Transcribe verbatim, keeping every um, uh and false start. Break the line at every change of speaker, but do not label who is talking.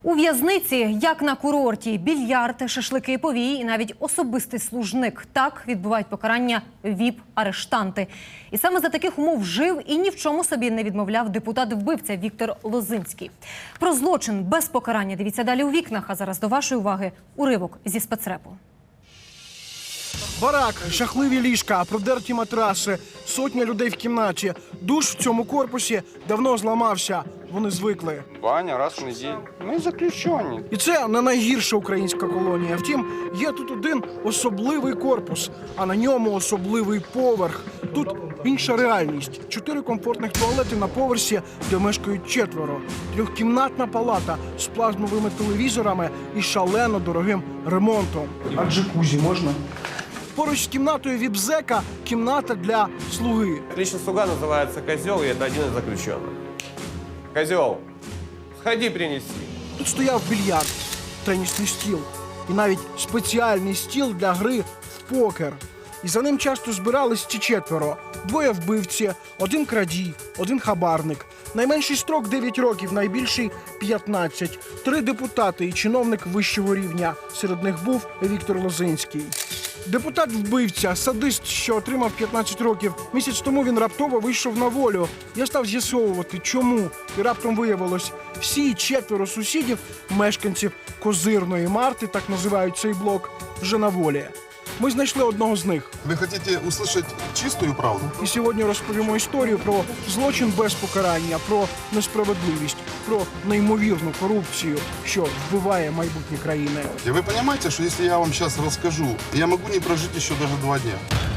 У в'язниці, як на курорті, більярд, шашлики, повії і навіть особистий служник. Так відбувають покарання віп-арештанти. І саме за таких умов жив і ні в чому собі не відмовляв депутат-вбивця Віктор Лозинський. Про злочин без покарання дивіться далі у вікнах. А зараз до вашої уваги уривок зі спецрепу.
Барак, жахливі ліжка, продерті матраси, сотня людей в кімнаті. Душ в цьому корпусі давно зламався. Вони звикли.
Баня раз в неділю. Ми заключені.
І це не найгірша українська колонія. Втім, є тут один особливий корпус, а на ньому особливий поверх. Тут інша реальність. Чотири комфортних туалети на поверсі, де мешкають четверо. Трьохкімнатна палата з плазмовими телевізорами і шалено дорогим ремонтом. А джакузі можна? Поруч з кімнатою віп-зека – кімната для слуги.
Личный слуга называется Козел, и это один из заключенных. Козел, сходи принеси.
Тут стояв більярд, тенісний стіл і навіть спеціальний стіл для гри в покер. І за ним часто збирались ці четверо. Двоє вбивці, один крадій, один хабарник. Найменший строк – дев'ять років, найбільший – п'ятнадцять. Три депутати і чиновник вищого рівня. Серед них був Віктор Лозинський. Депутат-вбивця, садист, що отримав п'ятнадцять років. Місяць тому він раптово вийшов на волю. Я став з'ясовувати, чому. І раптом виявилось, всі четверо сусідів, мешканців Козирної Марти, так називають цей блок, вже на волі. Ми знайшли одного з них.
Вы хотите услышать чистую правду?
І сьогодні розповімо історію про злочин без покарання, про несправедливість, про неймовірну корупцію, що вбиває майбутнє країни.
И вы понимаете, что если я вам сейчас расскажу, я могу не прожить еще даже два дня.